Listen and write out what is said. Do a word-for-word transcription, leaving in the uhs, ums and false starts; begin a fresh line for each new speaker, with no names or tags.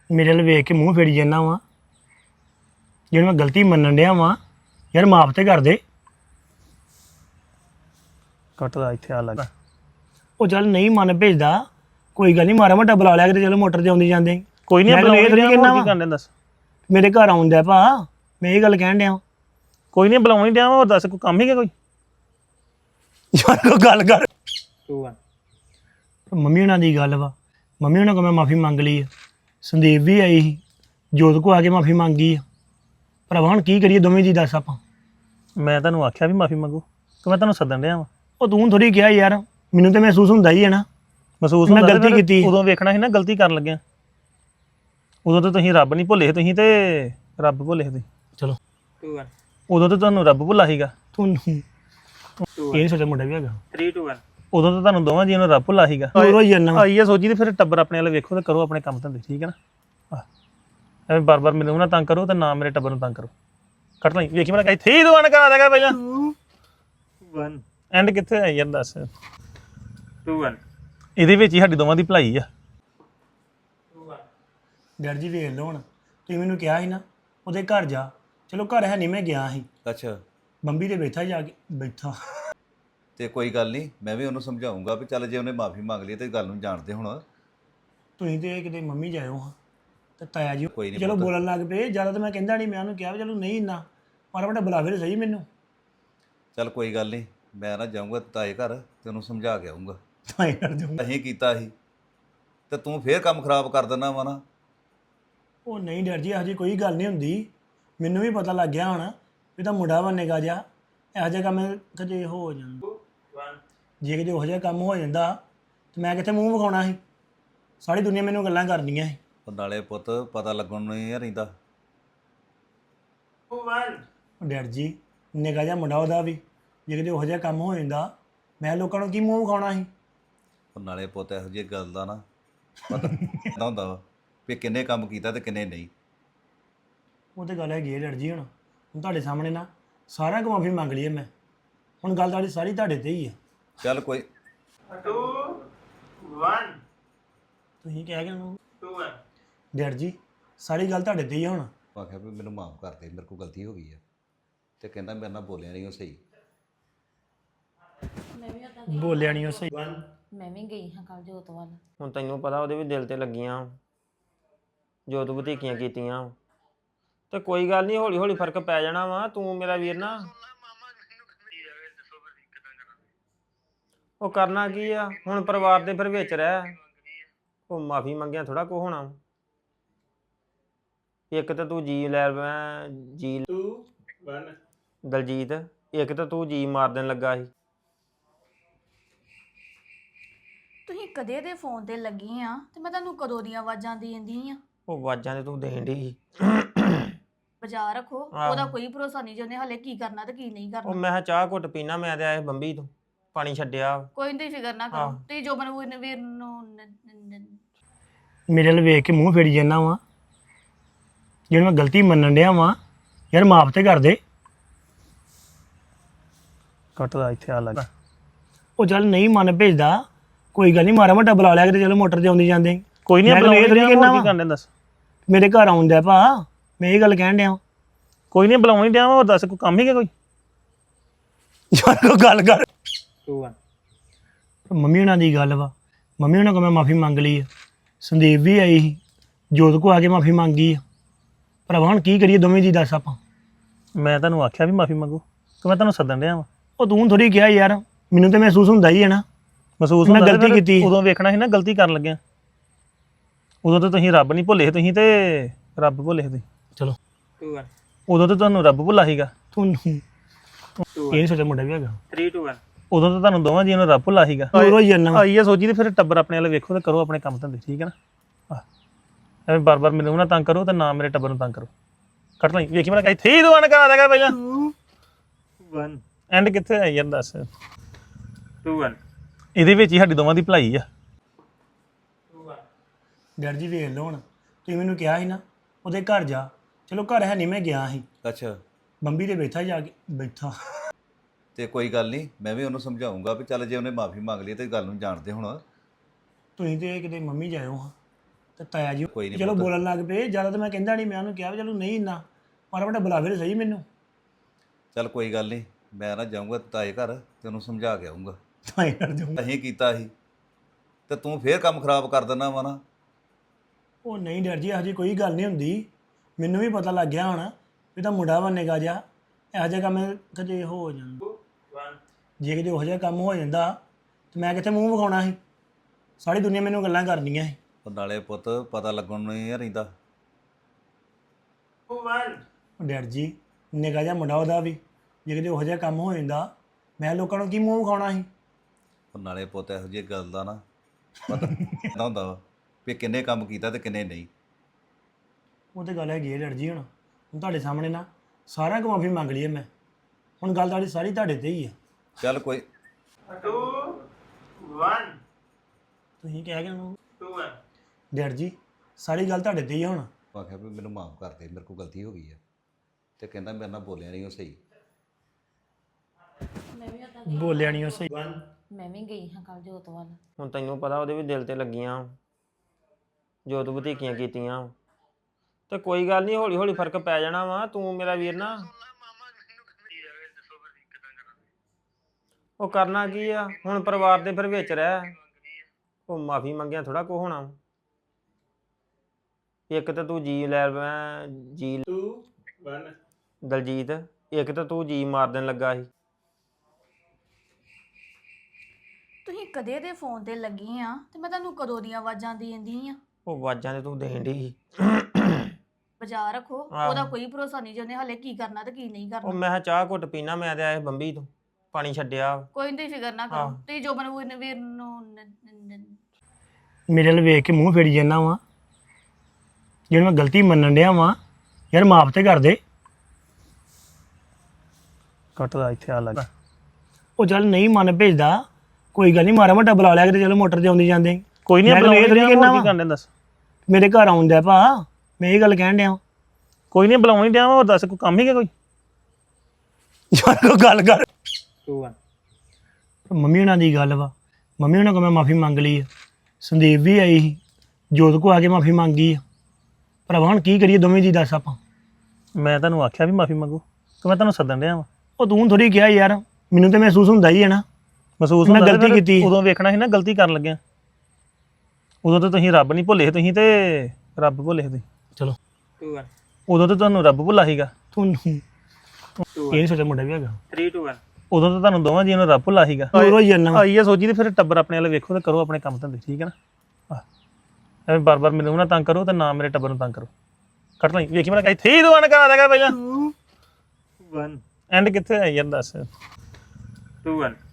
ਮੇਰੇ ਵੱਲ ਵੇਖ ਕੇ ਮੂੰਹ ਫੇੜੀ ਜਾਂਦਾ ਵਾਂ। ਜੇ ਮੈਂ ਗਲਤੀ ਮੰਨਣ ਡਿਆ ਵਾਂ ਯਾਰ ਮਾਫ ਤੇ ਕਰ ਦੇ।
ਕੱਟਦਾ ਇੱਥੇ ਆ ਲੱਗ
ਉਹ ਚੱਲ ਨਹੀਂ ਮਨ ਭੇਜਦਾ ਕੋਈ ਗੱਲ ਨਹੀਂ, ਮਾਰਾ ਮੋਟਾ ਬੁਲਾ ਲਿਆ ਕਿਤੇ, ਚਲੋ ਮੋਟਰ ਤੇ ਆਉਂਦੀ ਜਾਂਦੇ।
ਕੋਈ ਨਹੀਂ
ਮੈਂ ਤੈਨੂੰ ਇਹ ਥੋੜ੍ਹੀ ਕਹਿਣਾ ਵਾ
ਕਰਨੇ ਦੱਸ।
ਮੇਰੇ ਘਰ ਆਉਂਦਾ ਭਾ, ਮੈਂ ਇਹ ਗੱਲ ਕਹਿਣ ਡਿਆ ਵਾਂ।
ਕੋਈ ਨਹੀਂ ਬੁਲਾਉਣ ਹੀ ਡਿਆ ਹੋਰ ਦੱਸ ਕੋਈ ਕੰਮ ਹੀ ਕਿ ਕੋਈ
ਯਾਰ ਕੋਈ ਗੱਲ ਕਰ। ਮੰਮੀ ਉਹਨਾਂ ਦੀ ਗੱਲ ਵਾ, ਮੰਮੀ ਉਹਨਾਂ ਕੋਲ ਮੈਂ ਮਾਫੀ ਮੰਗ ਲਈ ਆ। ਸੰਦੀਪ ਵੀ ਆਈ ਸੀ, ਜੋਤ ਕੋ ਆ ਕੇ ਮਾਫੀ ਮੰਗੀ ਆ। ਭਰਾਵਾ ਹੁਣ ਕੀ ਕਰੀਏ ਦੋਵੇਂ ਜੀ, ਦੱਸ ਆਪਾਂ।
ਮੈਂ ਤੁਹਾਨੂੰ ਆਖਿਆ ਵੀ ਮਾਫੀ ਮੰਗੋ ਤੇ ਮੈਂ ਤੁਹਾਨੂੰ ਸੱਦਣ ਡਿਆ ਵਾਂ।
ਉਹ ਤੂੰ ਥੋੜੀ ਕਿਹਾ ਯਾਰ, ਮੈਨੂੰ ਤੇ ਮਹਿਸੂਸ ਹੁੰਦਾ ਹੀ ਹੈ ਨਾ
ਮਹਿਸੂਸ
ਮੈਂ
ਹੁੰਦਾ
ਗਲਤੀ
ਤੇ ਫਿਰ
ਕੀਤੀ।
ਉਦੋਂ ਵੇਖਣਾ ਸੀ ਨਾ ਗਲਤੀ ਕਰਨ ਲੱਗਿਆ। ਉਦੋਂ ਤਾਂ ਤੁਸੀਂ ਰੱਬ ਨਹੀਂ ਭੁੱਲੇ, ਤੁਸੀਂ ਤੇ ਰੱਬ ਭੁੱਲੇ ਤੁਸੀਂ।
ਚਲੋ
ਉਦੋਂ ਤਾਂ ਤੁਹਾਨੂੰ ਰੱਬ ਭੁੱਲਾ ਸੀਗਾ।
ਤੂੰ ਇਹ ਸੋਚਿਆ ਮੁੰਡਾ ਵੀ ਹੈਗਾ।
ਉਦੋਂ ਤਾਂ ਤੁਹਾਨੂੰ ਦੋਵਾਂ ਜੀਆਂ ਨੂੰ ਰੱਬ ਭੁੱਲਾ ਸੀਗਾ।
ਹੋਰ ਹੋਈ ਜਾਂਦਾ ਵਾ।
ਆਈ ਆ ਸੋਚੀ ਤੇ ਫਿਰ ਟੱਬਰ ਆਪਣੇ ਵਾਲੇ ਵੇਖੋ ਤੇ ਕਰੋ ਆਪਣੇ ਕੰਮ ਧੰਦੇ, ਠੀਕ ਹੈ ਨਾ। ਆਹ, ਐਵੇਂ ਬਾਰ ਬਾਰ ਮੈਨੂੰ ਨਾ ਤੰਗ ਕਰੋ ਤੇ ਨਾ ਮੇਰੇ ਟੱਬਰ ਨੂੰ ਤੰਗ ਕਰੋ। ਕੱਟ ਲਈ ਵੇਖੀ ਮੈਂ ਇੱਥੇ ਹੀ ਦੁਆਨ ਕਰਾ ਦੇਗਾ ਪਹਿਲਾਂ।
वन
ਐਂਡ ਕਿੱਥੇ ਹੈ ਯਾਰ ਦੱਸ।
टू वन
ਇਹਦੇ ਵਿੱਚ ਹੀ ਸਾਡੀ ਦੋਵਾਂ ਦੀ ਭਲਾਈ ਆ।
ਡੈਡ ਜੀ ਵੇਖ ਲਓ ਹੁਣ, ਤੁਸੀਂ ਮੈਨੂੰ ਕਿਹਾ ਸੀ ਨਾ ਉਹਦੇ ਘਰ ਜਾ। ਚਲੋ ਘਰ ਹੈ ਨਹੀਂ, ਮੈਂ ਗਿਆ ਸੀ
ਅੱਛਾ
ਬੰਬੀ ਤੇ ਬੈਠਾ ਜਾ ਕੇ ਬੈਠਾ।
ਤੇ ਕੋਈ ਗੱਲ ਨਹੀਂ, ਮੈਂ ਵੀ ਉਹਨੂੰ ਸਮਝਾਉਂਗਾ ਵੀ ਚੱਲ ਜੇ ਉਹਨੇ ਮਾਫੀ ਮੰਗ ਲਈ ਤੇ ਗੱਲ ਨੂੰ ਜਾਣਦੇ ਹੁਣ।
ਤੁਸੀਂ ਤੇ ਕਿਤੇ ਮੰਮੀ ਜਾਇਓ ਹਾਂ ਤੇ ਤਾਇਆ ਜੀ
ਕੋਈ ਨੀ
ਚਲੋ
ਪੁੱਤ।
ਬੋਲਣ ਲੱਗ ਪਏ। ਜ਼ਿਆਦਾ ਤਾਂ ਮੈਂ ਕਹਿੰਦਾ ਨਹੀਂ, ਮੈਂ ਉਹਨੂੰ ਕਿਹਾ ਵੀ ਚਲੋ ਨਹੀਂ ਇੰਨਾ ਮਾੜਾ ਮੋਟਾ ਬੁਲਾਵੇ ਤਾਂ ਸਹੀ ਮੈਨੂੰ।
ਚੱਲ ਕੋਈ ਗੱਲ ਨਹੀਂ, ਮੈਂ ਨਾ ਜਾਊਂਗਾ ਤਾਏ ਘਰ ਤੇ ਉਹਨੂੰ ਸਮਝਾ ਕੇ ਆਊਂਗਾ।
ਤਾਏ ਕਰ ਦਿਓ।
ਅਸੀਂ ਕੀਤਾ ਸੀ ਤੇ ਤੂੰ ਫੇਰ ਕੰਮ ਖਰਾਬ ਕਰ ਦਿੰਦਾ ਵਾ ਨਾ।
ਉਹ ਨਹੀਂ ਡੈਡ ਜੀ, ਇਹੋ ਜਿਹੀ ਕੋਈ ਗੱਲ ਨਹੀਂ ਹੁੰਦੀ। ਮੈਨੂੰ ਵੀ ਪਤਾ ਲੱਗ ਗਿਆ ਹੁਣ ਵੀ ਤਾਂ ਮੁੰਡਾ ਬਣੇਗਾ ਜਾ। ਇਹੋ ਜਿਹਾ ਕੰਮ ਕਦੇ ਹੋ ਜਾਂਦਾ, ਜੇ ਕਿਤੇ ਉਹੋ ਜਿਹਾ ਕੰਮ ਹੋ ਜਾਂਦਾ ਤੇ ਮੈਂ ਕਿੱਥੇ ਮੂੰਹ ਵਿਖਾਉਣਾ ਸੀ। ਸਾਰੀ ਦੁਨੀਆ ਮੈਨੂੰ ਗੱਲਾਂ ਕਰਨੀਆਂ ਸੀ।
ਉਹ ਨਾਲੇ ਪੁੱਤ ਪਤਾ ਲੱਗਣ ਨੂੰ ਨਹੀਂ ਰਹਿੰਦਾ।
ਡੈਡ ਜੀ ਨਿੱਕਾ ਜਿਹਾ ਮੁੰਡਾ ਉਹਦਾ ਵੀ, ਜੇ ਕਿਤੇ ਉਹੋ ਜਿਹਾ ਕੰਮ ਹੋ ਜਾਂਦਾ ਮੈਂ ਲੋਕਾਂ ਨੂੰ ਕੀ ਮੂੰਹ ਵਿਖਾਉਣਾ ਸੀ।
ਉਹ ਨਾਲੇ ਪੁੱਤ ਇਹੋ ਜਿਹੀ ਗੱਲ ਦਾ ਨਾ ਪਤਾ ਪਤਾ ਹੁੰਦਾ ਵਾ ਵੀ ਕਿੰਨੇ ਕੰਮ ਕੀਤਾ ਤੇ ਕਿੰਨੇ ਨਹੀਂ।
ਉਹ ਤੇ ਗੱਲ ਹੈਗੀ ਹੈ ਡੈਡ ਜੀ। ਹੁਣ ਹੁਣ ਤੁਹਾਡੇ ਸਾਹਮਣੇ ਨਾ ਸਾਰਿਆਂ ਕੋਲ ਮਾਫੀ ਮੰਗ ਲਈ ਹੈ ਮੈਂ। ਹੁਣ ਗੱਲ ਤੁਹਾਡੀ ਸਾਰੀ ਤੁਹਾਡੇ ਤੇ ਹੀ ਆ।
ਚੱਲ ਕੋਈ
टू वन
ਤੁਸੀਂ ਕਹਿ ਗਏ ਉਹਨੂੰ
टू वन
ਡੈਡ ਜੀ ਸਾਰੀ ਗੱਲ ਤੁਹਾਡੇ ਤੇ ਹੀ ਆ ਹੁਣ।
ਮੈਂ ਆਖਿਆ ਵੀ ਮੈਨੂੰ ਮਾਫ ਕਰ ਦੇ, ਮੇਰੇ ਕੋਲ ਗਲਤੀ ਹੋ ਗਈ ਹੈ। ਤੇ ਕਹਿੰਦਾ ਮੇਰੇ ਨਾਲ ਬੋਲਿਆ ਨਹੀਂ ਉਹ ਸਹੀ।
ਮੈਂ ਵੀ ਉਦਾਂ ਗਈ
ਬੋਲਿਆ ਨਹੀਂ ਉਹ ਸਹੀ।
ਮੈਂ ਵੀ ਗਈ ਹਾਂ ਕੱਲ ਜੋਤ ਵੱਲ।
ਹੁਣ ਤੈਨੂੰ ਪਤਾ ਉਹਦੇ ਵੀ ਦਿਲ ਤੇ ਲੱਗੀਆਂ ਜੋ ਤੂੰ ਵਧੀਕੀਆਂ ਕੀਤੀਆਂ ਤੇ ਕੋਈ ਗੱਲ ਨਹੀਂ, ਹੌਲੀ ਹੌਲੀ ਫਰਕ ਪੈ ਜਾਣਾ ਵਾ। ਤੂੰ ਮੇਰਾ ਵੀਰ ਨਾ ਉਹ ਕਰਨਾ ਕੀ ਆ ਹੁਣ, ਪਰਿਵਾਰ ਦੇ ਫਿਰ ਵਿੱਚ ਰਹਿ। ਉਹ ਮਾਫੀ ਮੰਗਿਆ ਥੋੜਾ ਕੋ ਹੋਣਾ। ਇੱਕ ਤਾਂ ਤੂੰ ਜੀ ਲੈ ਮੈਂ ਜੀ
टू वन
ਦਲਜੀਤ, ਇੱਕ ਤਾਂ ਤੂੰ ਜੀ ਮਾਰ ਦੇਣ ਲੱਗਾ ਸੀ।
ਤੁਸੀਂ ਕਦੇ ਦੇ ਫੋਨ ਤੇ ਲੱਗੀ ਆ ਤੇ ਮੈਂ ਤੁਹਾਨੂੰ ਕਦੋਂ ਦੀਆਂ ਆਵਾਜ਼ਾਂ ਦੇਂਦੀ ਆ।
ਉਹ ਆਵਾਜ਼ਾਂ ਤੇ ਤੂੰ ਦੇਣ ਡਈ ਸੀ।
ਬਚਾ ਰੱਖੋ,
ਆਹੋ।
ਉਹਦਾ ਕੋਈ ਭਰੋਸਾ ਨਹੀਂ ਜਿਹਨੇ ਹਲੇ ਕੀ ਕਰਨਾ ਤੇ ਕੀ ਨਹੀਂ
ਉਹ
ਕਰਨਾ।
ਮੈਂ ਕਿਹਾ ਚਾਹ ਘੁੱਟ ਪੀਣਾ, ਮੈਂ ਤੇ ਆਏ ਬੰਬੀ ਤੋਂ ਪਾਣੀ ਛੱਡਿਆ।
ਕੋਈ ਨਹੀਂ ਫਿਕਰ ਨਾ ਕਰੋ।
ਆਹੋ।
ਤੁਸੀਂ ਜੋ ਬਨ ਵੀਰ ਨੂੰ ਨ- ਨ- ਨ-
ਮੇਰੇ ਵੱਲ ਵੇਖ ਕੇ ਮੂੰਹ ਫੇੜੀ ਜਾਂਦਾ ਵਾਂ। ਜੇ ਮੈਂ ਗਲਤੀ ਮੰਨਣ ਡਿਆ ਵਾਂ ਯਾਰ ਮਾਫ ਤੇ ਕਰ ਦੇ।
ਕੱਟਦਾ ਇੱਥੇ ਆ ਲੱਗ
ਉਹ ਚੱਲ ਨਹੀਂ ਮਨ ਭੇਜਦਾ ਕੋਈ ਗੱਲ ਨਹੀਂ, ਮਾਰਾ ਮੋਟਾ ਬੁਲਾ ਲਿਆ ਕਿਤੇ, ਚਲੋ ਮੋਟਰ ਤੇ ਆਉਂਦੀ ਜਾਂਦੇ।
ਕੋਈ ਨਹੀਂ
ਮੈਂ ਤੈਨੂੰ ਇਹ ਥੋੜ੍ਹੀ ਕਹਿਣਾ
ਬੁਲਾਉਣ
ਵਾ
ਕੀ ਕਰਨੇ ਦੱਸ।
ਮੇਰੇ ਘਰ ਆਉਂਦਾ ਭਾ, ਮੈਂ ਇਹ ਗੱਲ ਕਹਿਣ ਡਿਆ ਵਾਂ।
ਕੋਈ ਨਹੀਂ ਬੁਲਾਉਣ ਹੀ ਡਿਆ ਹੋਰ ਦੱਸ ਕੋਈ ਕੰਮ ਹੀ ਕਿ ਕੋਈ
ਯਾਰ ਕੋਈ ਗੱਲ ਕਰ।
टू वन
ਮੰਮੀ ਉਹਨਾਂ ਦੀ ਗੱਲ ਵਾ, ਮੰਮੀ ਉਹਨਾਂ ਕੋਲ ਮੈਂ ਮਾਫੀ ਮੰਗ ਲਈ ਆ। ਸੰਦੀਪ ਵੀ ਆਈ ਸੀ, ਜੋਤ ਕੋ ਆ ਕੇ ਮਾਫੀ ਮੰਗੀ ਆ। ਭਰਾਵਾ ਹੁਣ ਕੀ ਕਰੀਏ ਦੋਵੇਂ ਜੀ, ਦੱਸ ਆਪਾਂ।
ਮੈਂ ਤੁਹਾਨੂੰ ਆਖਿਆ ਵੀ ਮਾਫੀ ਮੰਗੋ ਤੇ ਮੈਂ ਤੁਹਾਨੂੰ ਸੱਦਣ ਡਿਆ ਵਾਂ।
ਉਹ ਤੂੰ ਥੋੜੀ ਕਿਹਾ ਯਾਰ, ਮੈਨੂੰ ਤੇ ਮਹਿਸੂਸ ਹੁੰਦਾ ਹੀ ਹੈ ਨਾ
ਮਹਿਸੂਸ
ਮੈਂ
ਹੁੰਦਾ ਤੇ
ਗਲਤੀ
ਫਿਰ
ਕੀਤੀ।
ਉਦੋਂ ਵੇਖਣਾ ਸੀ ਨਾ ਗਲਤੀ ਕਰਨ ਲੱਗਿਆ। ਉਦੋਂ ਤਾਂ ਤੁਸੀਂ ਰੱਬ ਨਹੀਂ ਭੁੱਲੇ, ਤੁਸੀਂ ਤੇ ਰੱਬ ਭੁੱਲੇ ਤੁਸੀਂ।
ਚਲੋ
टू वन
ਉਦੋਂ ਤਾਂ ਤੁਹਾਨੂੰ ਰੱਬ ਭੁੱਲਾ ਸੀਗਾ।
ਤੂੰ
टू
ਇਹ ਸੋਚਿਆ ਮੁੰਡਾ ਵੀ ਹੈਗਾ।
थ्री टू वन
ਉਦੋਂ ਤਾਂ ਤੁਹਾਨੂੰ ਦੋਵਾਂ ਜੀਆਂ ਨੂੰ ਰੱਬ ਭੁੱਲਾ ਸੀਗਾ।
ਹੋਰ ਹੋਈ ਜਾਂਦਾ ਵਾ।
ਆਈ ਆ ਸੋਚੀ ਤੇ ਫਿਰ ਟੱਬਰ ਆਪਣੇ ਵਾਲੇ ਵੇਖੋ ਤੇ ਕਰੋ ਆਪਣੇ ਕੰਮ ਧੰਦੇ, ਠੀਕ ਹੈ ਨਾ। ਆਹ, ਐਵੇਂ ਬਾਰ ਬਾਰ ਮੈਨੂੰ ਨਾ ਤੰਗ ਕਰੋ ਤੇ ਨਾ ਮੇਰੇ ਟੱਬਰ ਨੂੰ ਤੰਗ ਕਰੋ। ਕੱਟ ਲਈ ਵੇਖੀ ਮੈਂ ਇੱਥੇ ਹੀ ਦੁਆਨ ਕਰਾ ਦੇਗਾ ਪਹਿਲਾਂ।
वन
ਐਂਡ ਕਿੱਥੇ ਹੈ ਯਾਰ ਦੱਸ।
टू वन
ਇਹਦੇ ਵਿੱਚ ਹੀ ਸਾਡੀ ਦੋਵਾਂ ਦੀ ਭਲਾਈ ਆ।
ਡੈਡ ਜੀ ਵੇਖ ਲਓ ਹੁਣ, ਤੁਸੀਂ ਮੈਨੂੰ ਕਿਹਾ ਸੀ ਨਾ ਉਹਦੇ ਘਰ ਜਾ। ਚਲੋ ਘਰ ਹੈ ਨਹੀਂ, ਮੈਂ ਗਿਆ ਸੀ
ਅੱਛਾ
ਬੰਬੀ ਤੇ ਬੈਠਾ ਜਾ ਕੇ ਬੈਠਾ।
ਤੇ ਕੋਈ ਗੱਲ ਨਹੀਂ, ਮੈਂ ਵੀ ਉਹਨੂੰ ਸਮਝਾਉਂਗਾ ਵੀ ਚੱਲ ਜੇ ਉਹਨੇ ਮਾਫੀ ਮੰਗ ਲਈ ਤੇ ਗੱਲ ਨੂੰ ਜਾਣਦੇ ਹੁਣ।
ਤੁਸੀਂ ਤੇ ਕਿਤੇ ਮੰਮੀ ਜਾਇਓ ਹਾਂ ਤੇ ਤਾਇਆ ਜੀ
ਕੋਈ ਨੀ
ਚਲੋ
ਪੁੱਤ।
ਬੋਲਣ ਲੱਗ ਪਏ ਜ਼ਿਆਦਾ ਤਾਂ ਮੈਂ ਕਹਿੰਦਾ ਨਹੀਂ ਮੈਂ ਉਹਨੂੰ ਕਿਹਾ ਵੀ ਚਲੋ ਨਹੀਂ ਇੰਨਾ ਮਾੜਾ ਮੋਟਾ ਬੁਲਾਵੇ ਤਾਂ ਸਹੀ ਮੈਨੂੰ
ਚੱਲ ਕੋਈ ਗੱਲ ਨਹੀਂ, ਮੈਂ ਨਾ ਜਾਊਂਗਾ ਤਾਏ ਘਰ ਤੇ ਉਹਨੂੰ ਸਮਝਾ ਕੇ ਆਊਂਗਾ।
ਤਾਏ ਕਰ ਦੂੰ
ਅਸੀਂ ਕੀਤਾ ਸੀ ਤੇ ਤੂੰ ਫੇਰ ਕੰਮ ਖਰਾਬ ਕਰ ਦਿੰਦਾ ਵਾ ਨਾ।
ਉਹ ਨਹੀਂ ਡਰ ਜੀ ਇਹੋ ਜਿਹੀ ਕੋਈ ਗੱਲ ਨਹੀਂ ਹੁੰਦੀ ਮੈਨੂੰ ਵੀ ਪਤਾ ਲੱਗ ਗਿਆ ਹੁਣ ਵੀ ਤਾਂ ਮੁੰਡਾ ਬਣੇਗਾ ਜਾ ਇਹੋ ਜਿਹਾ ਕੰਮ ਕਦੇ ਹੋ ਜਾਂਦਾ ਜੇ ਕਿਤੇ ਉਹੋ ਜਿਹਾ ਕੰਮ ਹੋ ਜਾਂਦਾ ਤੇ ਮੈਂ ਕਿੱਥੇ ਮੂੰਹ ਵਿਖਾਉਣਾ ਸੀ ਸਾਰੀ ਦੁਨੀਆ ਮੈਨੂੰ ਗੱਲਾਂ ਕਰਨੀਆਂ ਸੀ
ਉਹ ਨਾਲੇ ਪੁੱਤ ਪਤਾ ਲੱਗਣ ਨੂੰ ਨਹੀਂ ਰਹਿੰਦਾ।
two one
ਉਹ ਡੈਡ ਜੀ ਨਿੱਕਾ ਜਿਹਾ ਮੁੰਡਾ ਉਹਦਾ ਵੀ ਜੇ ਕਿਤੇ ਉਹੋ ਜਿਹਾ ਕੰਮ ਹੋ ਜਾਂਦਾ ਮੈਂ ਲੋਕਾਂ ਨੂੰ ਕੀ ਮੂੰਹ ਵਿਖਾਉਣਾ ਸੀ
ਉਹ ਨਾਲੇ ਪੁੱਤ ਇਹੋ ਜਿਹੀ ਗੱਲ ਦਾ ਨਾ ਪਤਾ ਪਤਾ ਹੁੰਦਾ ਵਾ ਵੀ ਕਿੰਨੇ ਕੰਮ ਕੀਤਾ ਤੇ ਕਿੰਨੇ ਨਹੀਂ।
ਉਹ ਤੇ ਗੱਲ ਹੈਗੀ ਹੈ ਡੈਡ ਜੀ ਹੁਣ ਹੁਣ ਤੁਹਾਡੇ ਸਾਹਮਣੇ ਨਾ ਸਾਰਿਆਂ ਕੋਲ ਮਾਫੀ ਮੰਗ ਲਈ ਹੈ ਮੈਂ ਹੁਣ ਗੱਲ ਤੁਹਾਡੀ ਸਾਰੀ ਤੁਹਾਡੇ ਤੇ ਹੀ ਹੈ
ਚੱਲ ਕੋਈ
two one
ਤੁਸੀਂ ਕਹਿ ਗਏ ਉਹਨੂੰ
two one
ਡੈਡ ਜੀ ਸਾਰੀ ਗੱਲ ਤੁਹਾਡੇ ਤੇ ਹੀ ਹੈ ਹੁਣ
ਉਹ ਆਖਿਆ ਵੀ ਮੈਨੂੰ ਮਾਫ ਕਰ ਦੇ, ਮੇਰੇ ਕੋਲ ਗਲਤੀ ਹੋ ਗਈ ਹੈ ਤੇ ਕਹਿੰਦਾ ਮੇਰੇ ਨਾਲ ਬੋਲਿਆ ਨਹੀਂ ਉਹ ਸਹੀ।
ਬੋਲਿਆ ਨਹੀਂ ਉਹ ਸਹੀ
ਮੈਂ ਵੀ ਗਈ ਹਾਂ ਕੱਲ ਜੋਤ ਵੱਲ
ਹੁਣ ਤੈਨੂੰ ਪਤਾ ਉਹਦੇ ਵੀ ਦਿਲ ਤੇ ਲੱਗੀਆਂ ਜੋਤ ਬਤੀਕੀਆਂ ਕੀਤੀਆਂ ਤੇ ਕੋਈ ਗੱਲ ਨਹੀਂ, ਹੌਲੀ ਹੌਲੀ ਫਰਕ ਪੈ ਜਾਣਾ ਵਾ। ਤੂੰ ਮੇਰਾ ਵੀਰ ਨਾ ਉਹ ਕਰਨਾ ਕੀ ਆ ਹੁਣ ਪਰਿਵਾਰ ਦੇ ਫਿਰ ਵਿੱਚ ਰਹਿ, ਉਹ ਮਾਫੀ ਮੰਗਿਆ ਥੋੜਾ ਕੋ ਹੋਣਾ। ਇੱਕ ਤਾਂ ਤੂੰ ਜੀ ਲੈ ਮੈਂ ਜੀ
two one
ਦਲਜੀਤ, ਇੱਕ ਤਾਂ ਤੂੰ ਜੀ ਮਾਰ ਦੇਣ ਲੱਗਾ ਸੀ।
ਤੁਸੀਂ ਕਦੇ ਦੇ ਫੋਨ ਤੇ ਲੱਗੀ ਆ ਤੇ ਮੈਂ ਤੁਹਾਨੂੰ ਕਦੋਂ ਦੀਆਂ ਆਵਾਜ਼ਾਂ ਦੇਂਦੀ ਆ
ਉਹ ਆਵਾਜ਼ਾਂ ਤੇ ਤੂੰ ਦੇਣ ਦੀ ਸੀ।
ਬਜਾ ਰੱਖੋ
ਆਹੋ।
ਉਹਦਾ ਕੋਈ ਭਰੋਸਾ ਨਹੀਂ ਜਿਹਨੇ ਹਲੇ ਕੀ ਕਰਨਾ ਤੇ ਕੀ ਨਹੀਂ
ਉਹ
ਕਰਨਾ
ਮੈਂ ਕਿਹਾ ਚਾਹ ਘੁੱਟ ਪੀਣਾ, ਮੈਂ ਤੇ ਆਏ ਬੰਬੀ ਤੋਂ ਪਾਣੀ ਛੱਡਿਆ।
ਕੋਈ ਨਹੀਂ ਫਿਕਰ ਨਾ ਕਰੋ
ਆਹੋ।
ਤੁਸੀਂ ਜੋ ਬਨਵੀਰ ਵੀਰ ਨੂੰ ਨ- ਨ- ਨ-
ਮੇਰੇ ਵੱਲ ਵੇਖ ਕੇ ਮੂੰਹ ਫੇੜੀ ਜਾਂਦਾ ਵਾਂ ਜੇ ਮੈਂ ਗਲਤੀ ਮੰਨਣ ਡਿਆ ਵਾਂ ਯਾਰ ਮਾਫ ਤੇ ਕਰ ਦੇ
ਕੱਟ ਦਾ ਇੱਥੇ ਆ ਲੱਗ
ਉਹ ਚੱਲ ਨਹੀਂ ਮਨ ਭੇਜਦਾ ਕੋਈ ਗੱਲ ਨਹੀਂ ਮਾਰਾ ਮੋਟਾ ਬੁਲਾ ਲਿਆ ਕਿਤੇ ਚਲੋ ਮੋਟਰ ਤੇ ਆਉਂਦੀ ਜਾਂਦੇ
ਕੋਈ ਨਹੀਂ
ਮੈਂ ਤੈਨੂੰ ਇਹ
ਬੁਲਾਉਣੀ
ਥੋੜ੍ਹੀ
ਕਹਿਣਾ
ਕਹਿਣਾ
ਕੀ ਕਰਨੇ ਦੱਸ।
ਮੇਰੇ ਘਰ ਆਉਂਦਾ ਭਾ ਮੈਂ ਇਹ ਗੱਲ ਕਹਿਣ ਡਿਆ
ਕੋਈ ਨਹੀਂ ਬੁਲਾਉਣੀ ਡਿਆ ਹੋਰ ਦੱਸ ਕੋਈ ਕੰਮ ਹੀ ਕਿ ਕੋਈ
ਯਾਰ ਕੋਈ ਗੱਲ ਕਰ
two one
ਮੰਮੀ ਉਹਨਾਂ ਦੀ ਗੱਲ ਵਾ ਮੰਮੀ ਉਹਨਾਂ ਕੋਲ ਮੈਂ ਮਾਫੀ ਮੰਗ ਲਈ ਆ ਸੰਦੀਪ ਵੀ ਆਈ ਸੀ ਜੋਤ ਕੋ ਆ ਕੇ ਮਾਫੀ ਮੰਗੀ ਆ ਭਰਾਵਾ ਹੁਣ ਕੀ ਕਰੀਏ ਦੋਵੇਂ ਜੀ ਦੱਸ ਆਪਾਂ
ਮੈਂ ਤੁਹਾਨੂੰ ਆਖਿਆ ਵੀ ਮਾਫੀ ਮੰਗੋ ਕਿ ਮੈਂ ਤੁਹਾਨੂੰ ਸੱਦਣ ਡਿਆ ਵਾਂ।
ਉਹ ਤੂੰ ਥੋੜੀ ਕਿਹਾ ਯਾਰ ਮੈਨੂੰ ਤੇ ਮਹਿਸੂਸ ਹੁੰਦਾ ਹੀ ਹੈ ਨਾ
ਮਹਿਸੂਸ
ਮੈਂ
ਹੁੰਦਾ ਤੇ
ਗਲਤੀ
ਫਿਰ
ਕੀਤੀ।
ਉਦੋਂ ਵੇਖਣਾ ਸੀ ਨਾ ਗਲਤੀ ਕਰਨ ਲੱਗਿਆ। ਉਦੋਂ ਤਾਂ ਤੁਸੀਂ ਰੱਬ ਨਹੀਂ ਭੁੱਲੇ ਸੀ ਤੁਸੀਂ ਤੇ ਰੱਬ ਭੁੱਲੇ ਸੀ ਤੁਸੀਂ।
ਚਲੋ
two one
ਉਦੋਂ ਤਾਂ ਤੁਹਾਨੂੰ ਰੱਬ ਭੁੱਲਾ ਸੀਗਾ।
ਤੁਹਾਨੂੰ
two
ਇਹ
one
ਨਹੀਂ ਸੋਚਿਆ ਮੁੰਡਾ ਵੀ ਹੈਗਾ
three two one
ਉਦੋਂ ਤਾਂ ਤੁਹਾਨੂੰ ਦੋਵਾਂ ਜੀਆਂ ਨੂੰ ਰੱਬ ਭੁੱਲਾ ਸੀਗਾ।
ਦੂਰ ਹੋਈ ਜਾਂਦਾ
ਆਈ ਆ ਸੋਚੀ ਤੇ ਫਿਰ ਟੱਬਰ ਆਪਣੇ ਵਾਲੇ ਵੇਖੋ ਤੇ ਕਰੋ ਆਪਣੇ ਕੰਮ ਧੰਦੇ, ਠੀਕ ਹੈ ਨਾ। ਆਹ, ਐਵੇਂ ਬਾਰ-ਬਾਰ ਮੈਨੂੰ ਨਾ ਤੰਗ ਕਰੋ ਤੇ ਨਾ ਮੇਰੇ ਟੱਬਰ ਨੂੰ ਤੰਗ ਕਰੋ। ਕੱਟ ਲਈ ਵੇਖੀ ਮੇਰਾ ਇੱਥੇ ਹੀ ਦੁਆਨ ਕਰਾ ਦੇਗਾ ਪਹਿਲਾਂ।
one
ਐਂਡ ਕਿੱਥੇ ਹੈ ਯਾਰ ਦੱਸ।
two one